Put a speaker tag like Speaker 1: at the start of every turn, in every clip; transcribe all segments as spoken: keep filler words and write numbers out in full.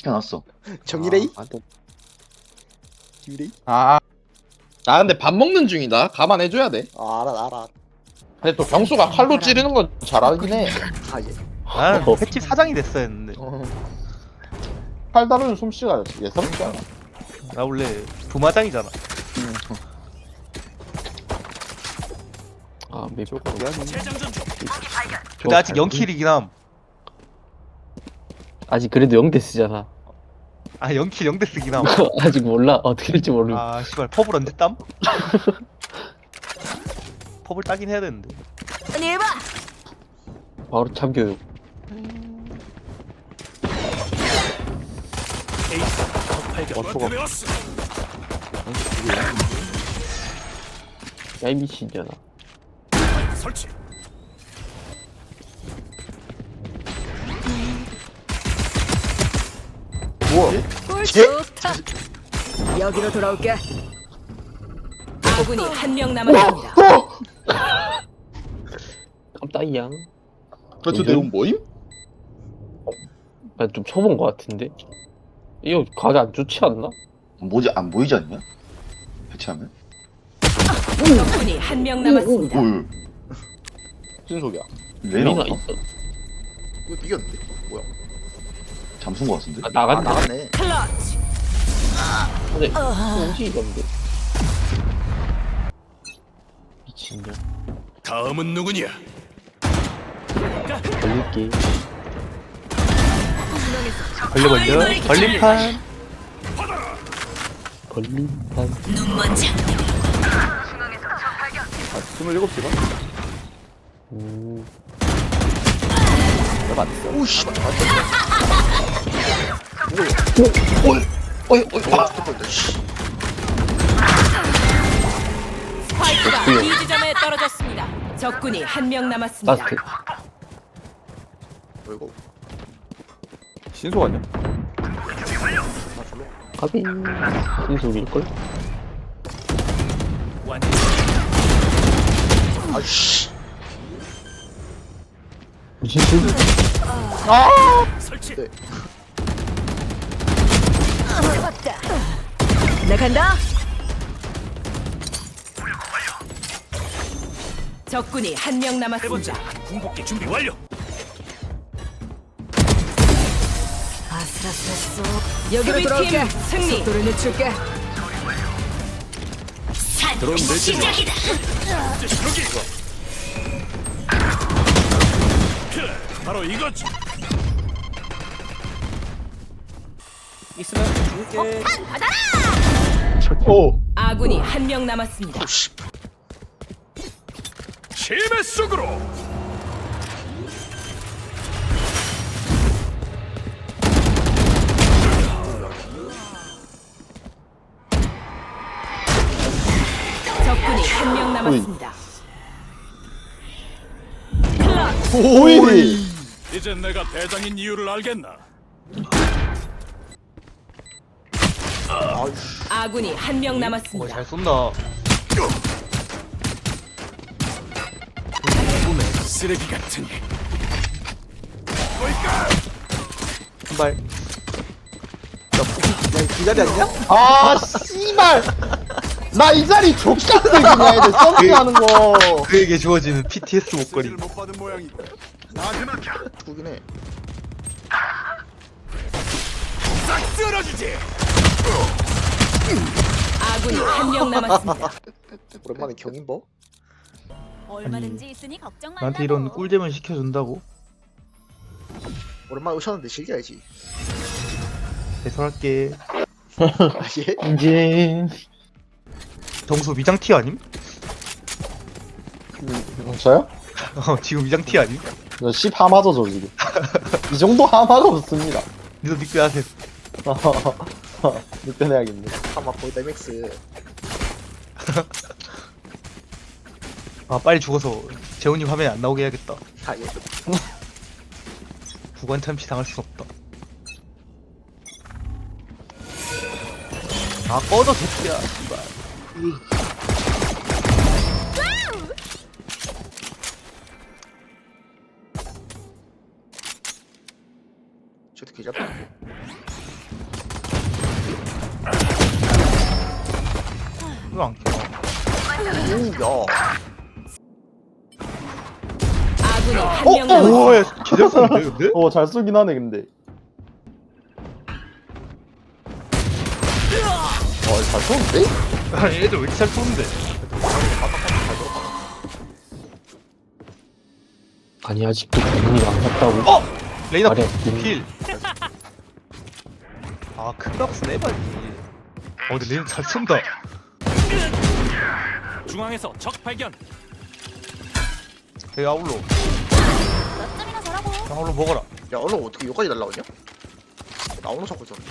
Speaker 1: 시켜놨어.
Speaker 2: 정일레이?
Speaker 3: 아, 또-
Speaker 2: 김일레이?
Speaker 3: 아, 나 근데 밥 먹는 중이다. 감안해줘야 돼.
Speaker 2: 아 알아 알아.
Speaker 3: 근데 또 경수가 칼로 찌르는 건 잘하긴 해.
Speaker 2: 아 예.
Speaker 4: 나는
Speaker 3: 어.
Speaker 4: 횟집 사장이 됐어야 했는데
Speaker 3: 어. 칼 다루는 솜씨가 예사롭지 않아.
Speaker 4: 나 원래 부마장이잖아.
Speaker 5: 아, 맵.
Speaker 4: 근데 아직 영 킬이긴 함.
Speaker 5: 아직 그래도 영데스잖아.
Speaker 4: 아 영 킬 영 대 쓰긴 함.
Speaker 5: 아직 몰라. 어떻게 될지 모르.
Speaker 4: 아 씨발 퍼블 언제 땀? 퍼블 따긴 해야 되는데.
Speaker 5: 바로 참교육. 야이 미친년아.
Speaker 2: 뭐?
Speaker 6: 좋다. 여기로 돌아올게. 아군이 한 명 남았습니다.
Speaker 5: 깜짝이야.
Speaker 3: 그저 내용 뭐임?
Speaker 5: 나 좀 쳐본 것 같은데. 이거 가게 안 좋지 않나?
Speaker 1: 뭐지 안 보이지 않냐? 해체하면?
Speaker 6: 적군이 한 명 남았습니다.
Speaker 1: 뭘?
Speaker 3: 무슨 소리야?
Speaker 1: 왜
Speaker 5: 미나
Speaker 1: 나왔어?
Speaker 5: 있어.
Speaker 2: 이거 이겼는데? 뭐야?
Speaker 1: 잠순 거 같은데?
Speaker 5: 아,
Speaker 2: 아
Speaker 5: 나갔네.
Speaker 2: 나갔네.
Speaker 6: 클러치.
Speaker 5: 근데 뭐지 이건데. 미친년.
Speaker 7: 다음은 누구냐?
Speaker 5: 걸릴게.
Speaker 4: 걸려 걸려. 걸림판.
Speaker 5: 걸림판.
Speaker 3: 아, 스물일곱 시간?
Speaker 5: 음.
Speaker 3: 내가 안 했어.
Speaker 2: 오씨. 아,
Speaker 1: 어이 어이 아!
Speaker 2: 잠깐만. 씨.
Speaker 6: 스파이크가 B 지점에 떨어졌습니다. 적군이 한 명 남았습니다.
Speaker 5: 라스트.
Speaker 2: 뭐 이거?
Speaker 3: 신속 아니야?
Speaker 2: 아 졸로.
Speaker 5: 가비. 신속일걸?
Speaker 2: 아씨.
Speaker 5: 무슨 술?
Speaker 7: 설치.
Speaker 2: 네.
Speaker 6: 나 간다. 적군이 한 명 남았습니다.
Speaker 7: 궁극기 준비 완료.
Speaker 6: 아슬아슬했어. 여기로 돌아올게. 승리. 속도를 늦출게.
Speaker 7: 드론 내지. 시작이다. 여기. 그래, 바로 이거지.
Speaker 2: 있으면 줄게.
Speaker 3: 오!
Speaker 6: 아군이 한 명 남았습니다.
Speaker 2: 오씨.
Speaker 7: 심해 속으로.
Speaker 6: 적군이 한 명 남았습니다.
Speaker 3: 오일이!
Speaker 7: 이제 내가 대장인 이유를 알겠나?
Speaker 2: 아이씨.
Speaker 6: 아군이 한 명
Speaker 4: 어,
Speaker 6: 남았습니다.
Speaker 4: 잘 쏜다.
Speaker 7: 쓰레기 같은.
Speaker 4: 한 발.
Speaker 2: 야이 자리 아니냐?
Speaker 3: 아, 씨발! 나 이 자리 족같아, 그냥 애들 점프하는 거.
Speaker 4: 그에게 주어지는 피티에스 목걸이.
Speaker 7: 못 받은 모양이다. 나한테 맡겨.
Speaker 2: 누구긴 해.
Speaker 7: 싹 쓸어주지.
Speaker 6: 아군이 한 명 남았습니다.
Speaker 2: 오랜만에 경인버?
Speaker 8: 얼마든지 있으니 걱정 말라고.
Speaker 4: 나한테 이런 꿀잼을 시켜준다고?
Speaker 2: 오랜만에 오셨는데 즐겨야지.
Speaker 4: 배설할게.
Speaker 2: 아 예?
Speaker 3: 이제.
Speaker 4: 정수 위장 티 아님?
Speaker 3: 저요?
Speaker 4: 어 지금 위장 티 아님?
Speaker 3: 저 십 하마죠, 저 지금. 이 정도 하마가 없습니다.
Speaker 4: 니도 니꺼 하세요.
Speaker 3: 느껴내야겠네.
Speaker 2: 아마 거의 엠엑스.
Speaker 4: 아 빨리 죽어서 재훈이 화면에 안 나오게 해야겠다.
Speaker 2: 아 예.
Speaker 4: 구관 참치 당할 순 없다. 아 꺼져 새끼야 씨발.
Speaker 2: 저도 개잡다.
Speaker 4: 왜안 켜?
Speaker 2: 오야
Speaker 6: 아군이 한
Speaker 3: 어?
Speaker 6: 명 남았습니다.
Speaker 4: 오야 제대로 쏘는데 근데?
Speaker 3: 어, 잘 쏘긴 하네, 근데. 어, 잘 쏘는데?
Speaker 4: 아니 애들 왜 이렇게 잘 쏘는데?
Speaker 5: 아니 아직도 경이 안 갔다고.
Speaker 4: 어! 레이나
Speaker 5: 아래.
Speaker 4: 필. 아 큰값 내봐야지. 어 근데 레이나 잘 쏜다.
Speaker 7: 중앙에서 적 발견.
Speaker 4: 여기 아울로.
Speaker 8: 몇 점이나 잘하고.
Speaker 4: 아울로 먹어라.
Speaker 2: 야 얼른 어떻게 여기까지 날라오냐? 나오는 자꾸 저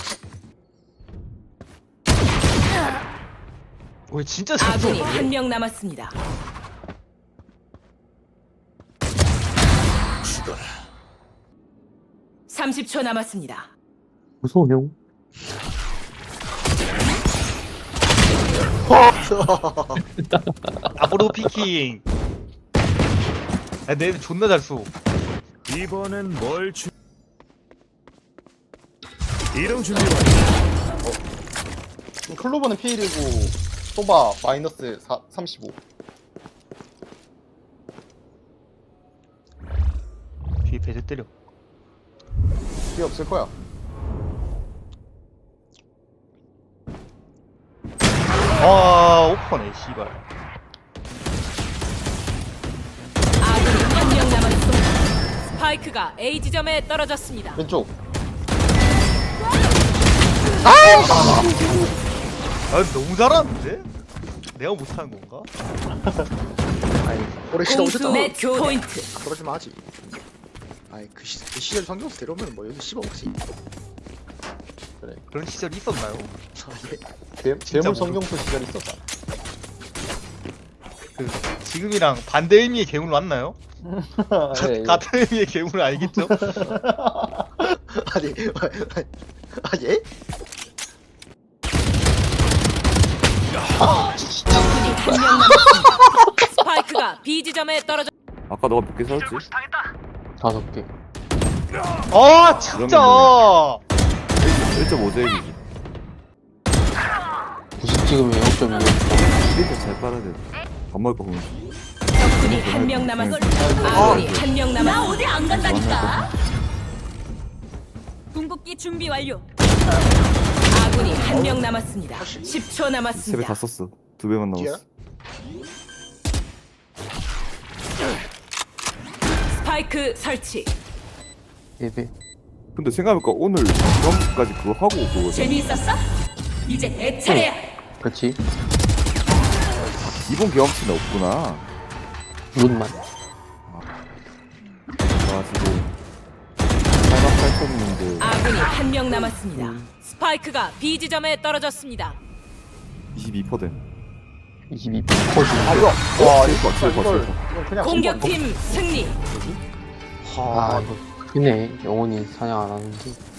Speaker 4: 오 진짜 잘
Speaker 6: 아군이
Speaker 4: 쏘네.
Speaker 6: 한 명 남았습니다. 삼십 초 남았습니다.
Speaker 5: 무서워 형.
Speaker 4: 아브로 피킹. 아 내 애들 존나 잘 쏘.
Speaker 7: 이번엔 뭘 주... 이동 준비 완료.
Speaker 3: 지금 클로버는 피일이고, 소바 마이너스 사, 삼십오.
Speaker 4: 뒤에 배제 때려.
Speaker 3: 뒤에 없을 거야.
Speaker 4: 아 오퍼네 씨발.
Speaker 6: 아군이 한 명 남았습니다. 스파이크가 A 지점에 떨어졌습니다.
Speaker 3: 왼쪽.
Speaker 4: 아 너무 잘하는데? 내가 못하는 건가?
Speaker 2: 오래 시다
Speaker 6: 공수
Speaker 2: 오셨다
Speaker 6: 매치 포인트.
Speaker 2: 그러지마 하지 아이 그, 시, 그 시절 성경수 데려오면 뭐 여기 씹어 먹지
Speaker 4: 그런 시절이 있었나요?
Speaker 2: 아, 예.
Speaker 3: 괴, 괴물
Speaker 4: 모르-
Speaker 3: 성경수 시절 있었다.
Speaker 4: 그 지금이랑 반대 의미의 괴물 맞나요?
Speaker 3: 예, 예.
Speaker 4: 같은 의미의 괴물 알겠죠?
Speaker 2: 아니 아 예?
Speaker 6: 적군이 한 명 남았습니다. 스파이크가 B 지점에 떨어졌.
Speaker 9: 아까 너가 몇 개 사왔지?
Speaker 5: 다섯 개.
Speaker 4: 아 진짜.
Speaker 9: 일 점 오 제곱이지.
Speaker 5: 구십 찍으면 영 점 이.
Speaker 9: 이렇게 잘 빨아야 돼. 밥 먹을 거 보면.
Speaker 6: 적군이 한 명 남았습니다. 아군이 한 명
Speaker 8: 나
Speaker 6: 남았습니다.
Speaker 8: 어디 안 간다니까. 궁극기 준비 완료.
Speaker 6: 아군이 한 명 남았습니다. 십 초
Speaker 9: 세 배
Speaker 6: 남았습니다.
Speaker 9: 다 썼어. 두 배만
Speaker 2: 뒤야?
Speaker 9: 남았어.
Speaker 6: 스파이크 설치.
Speaker 5: 네 배.
Speaker 9: 근데 생각해보니까 오늘 점까지 그거 하고 온 거거든.
Speaker 6: 재미있었어? 이제 내 차례야.
Speaker 5: 그렇지.
Speaker 9: 기본 경험치는 없구나.
Speaker 5: 룬만.
Speaker 9: 그래가지고 팔십팔점인데
Speaker 6: 아군이 한 명 남았습니다. 스파이크가 B 지점에 떨어졌습니다.
Speaker 9: 이십이 퍼센트.
Speaker 5: 이십이 퍼지.
Speaker 3: 아, 이거. 와, 이거,
Speaker 9: 칠 퍼, 칠 퍼,
Speaker 3: 이걸,
Speaker 9: 칠 퍼.
Speaker 3: 이건 그냥.
Speaker 6: 공격팀 승리.
Speaker 5: 아 이거 크네. 영원히 사냥 안 하는데.